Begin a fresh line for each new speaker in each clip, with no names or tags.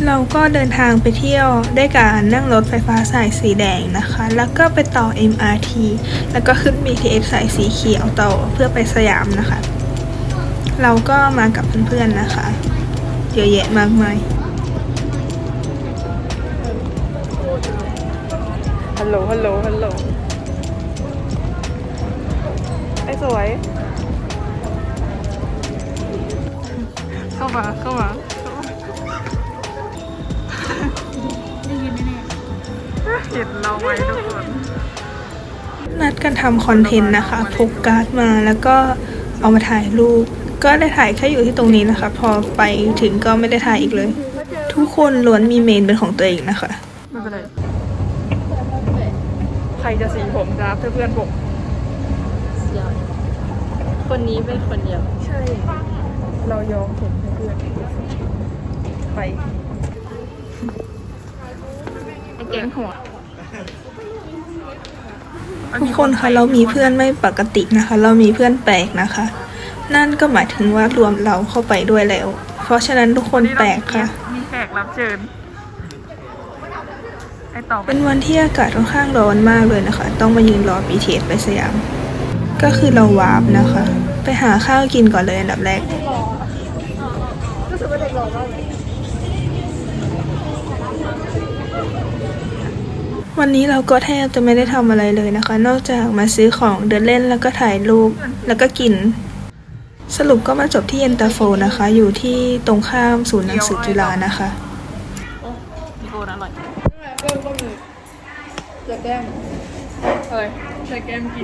เราก็เดินทางไปเที่ยวด้วยการนั่งรถไฟฟ้าสายสีแดงนะคะ แล้วก็ไปต่อ MRT แล้วก็ขึ้น BTS สายสีเขียวต่อเพื่อไปสยามนะคะ เราก็มากับเพื่อนๆนะคะเยอะแยะมากมายฮัลโหลไอ้สวยเข้ามาได้ยินแน่เห็นเราไหมทุกคนนัดกันทำคอนเทนต์นะคะพกการ์ดมาแล้วก็เอามาถ่ายรูปก็ได้ถ่ายแค่อยู่ที่ตรงนี้นะคะพอไปถึงก็ไม่ได้ถ่ายอีกเลยทุกคนล้วนมีเมนเป็นของตัวเองนะคะไม่เป็นไรใครจะสีผมครับเพื่อนผม
คนนี้เป็นคนเดียว
ใช่เรายอมผมเพื่อนไป
ไอ้แก๊งหัว
ทุกคนคะเรามีเพื่อนไม่ปกตินะคะเรามีเพื่อนแปลกนะคะนั่นก็หมายถึงว่ารวมเราเข้าไปด้วยแล้วเพราะฉะนั้นทุกคนแปลกค่ะ
มีแขกรับเชิญไอ้ต่อ
เป็นวันที่อากาศค่อนข้างร้อนมากเลยนะคะต้องมายืนรอ BTS ไปสยามก็คือเราวาร์ปนะคะไปหาข้าวกินก่อนเลยอันดับแรกวันนี้เราก็แทบจะไม่ได้ทำอะไรเลยนะคะนอกจากมาซื้อของเดินเล่นแล้วก็ถ่ายรูปแล้วก็กินสรุปก็มาจบที่เย็นตาโฟนะคะอยู่ที่ตรงข้ามศูนย์หนังสือจุฬานะคะ
มีโกนอร่อย
ก็มีจะแก้ม
อะไรใช้แก้มกิน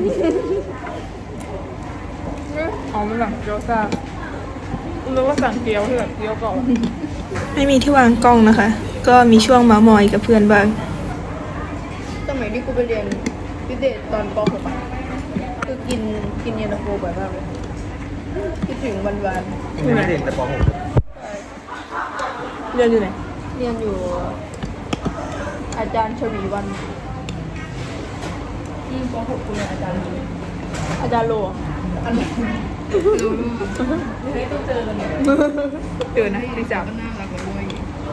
อ๋อมันหลังเกี๊ยวซ่ารู้ว่าสั่งเกี๊ยวเถอะเกี๊ยวก่อน
ไม่มีที่วางกล้องนะคะ ก็มีช่วงเมามอยกับเพื่อนบ้าง
สมัยที่กูไปเรียนพิเศษตอนป .6 คือกินเย็นตาโฟบ่อยมากเลยคิดถึงวัน
ไม่ได้เรียนแต่ป .6
เรียนอยู่ไหน
เรียนอยู่อาจารย์ชวีวันป .6 กูเรียนอาจารย์โลอันไหนไม่ต้องเจอกันเจอนะที่จับน่ารักกว่าด้วย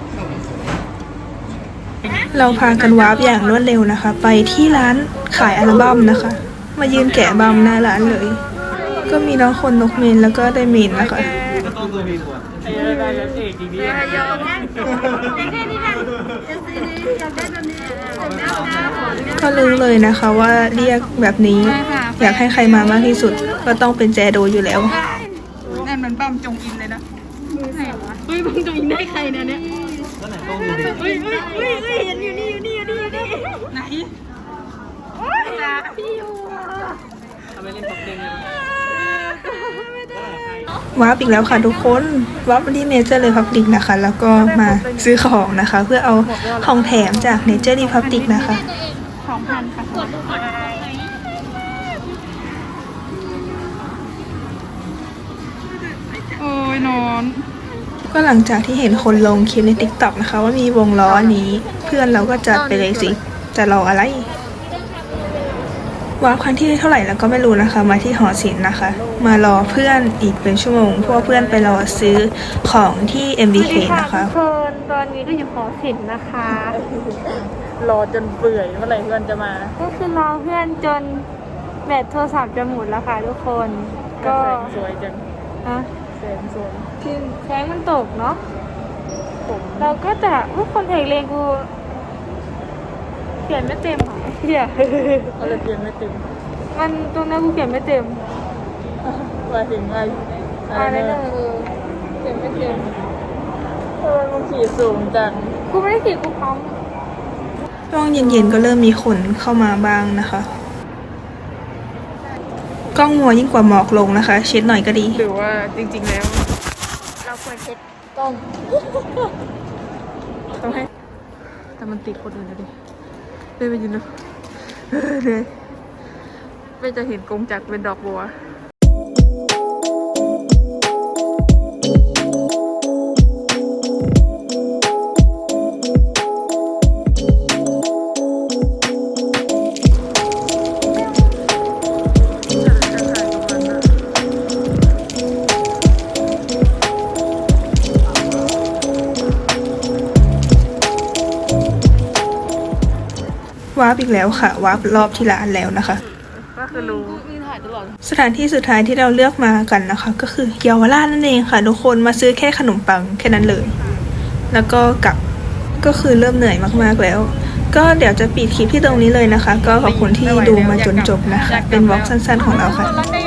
เราพากันวาร์ปอย่างรวดเร็วนะคะไปที่ร้านขายอัลบั้มนะคะมายืนแกะบัมหน้าร้านเลยก็มีน้องคนนกเมนแล้วก็ได้เมนนะคะก็รู้เลยนะคะว่าเรียกแบบนี้อยากให้ใครมามากที่สุดก็ต้องเป็นแจโดอยู่แล้ว
นั่นมันปั้มจงอินเลยนะไหนวะปั้มจงอินได้ใครเนี่ย
ก็ไหนต้องดูดิ
เฮ้ยเห็นอยู่นี่ไหนจ้าพี่อยู่ทำไมเล่นตกเด้งเล
ยวาร์ปอีกแล้วค่ะทุกคนวาร์ปที่เนเจอร์รีพับลิกนะคะแล้วก็มาซื้อของนะคะเพื่อเอาของแถมจากเนเจอร์รีพับลิกนะคะ
2,000ค่ะโอ้ยนอน
ก็หลังจากที่เห็นคนลงคลิปใน TikTok นะคะว่ามีวงล้อนี้เพื่อนเราก็จัดไปเลยสิจะรออะไรวาร์ปครั้งที่เท่าไหร่แล้วก็ไม่รู้นะคะมาที่หอศิลป์นะคะมารอเพื่อนอีกเป็นชั่วโมงเพราะเพื่อนไปรอซื้อของที่ MBK นะคะ
ทุกคนตอนนี้ก็อยู่หอศิลป์นะคะรอจนเปื่อยเมื่อไหร่เพื่อนจะมาก็คือรอเพื่อนจนแบตโทรศัพท์จะหมดแล้วค่ะทุกคนก็
สวยจังแสงสวย
แสงมันตกเนาะเราก็จะทุกคนเอกเลงกูเขียนไม่เต็มอ่ะเขียน
อะไรเขียนไม่เต็ม
มันตรงนั้นกูเขียนไม่เต็ม
ว่าถึง
อะไรเนี่ย
เขียนไม่เต็มมึงขีดสูงจัง
กูไม่ได้ขีดกูพร้อม
ช่วงเย็นๆก็เริ่มมีคนเข้ามาบ้างนะคะกล้องมัวยิ่งกว่าหมอกลงนะคะเช็ดหน่อยก็ดี
หรือว่าจริงๆแล้ว
เราควรเช็ดกล้อง
ต้องให้แต่มันติดคนอื่นนะดิไปยืนเลยไม่จะเห็นกงจักรเป็นดอกบัว
วาร์ปอีกแล้วค่ะวาร์ปรอบที่ร้านแล้วนะคะ
ก็คือรู้
สถานที่สุดท้ายที่เราเลือกมากันนะคะ ก็คือเยาวราชนั่นเองค่ะทุกคนมาซื้อแค่ขนมปังแค่นั้นเลย แล้วก็กลับก็คือเริ่มเหนื่อยมากๆแล้ว ก็เดี๋ยวจะปิดคลิปที่ตรงนี้เลยนะคะ ก็ขอบคุณที่ดูมาจนจบนะคะ เป็นวอล์กสั้นๆของเราค่ะ
แล้วได้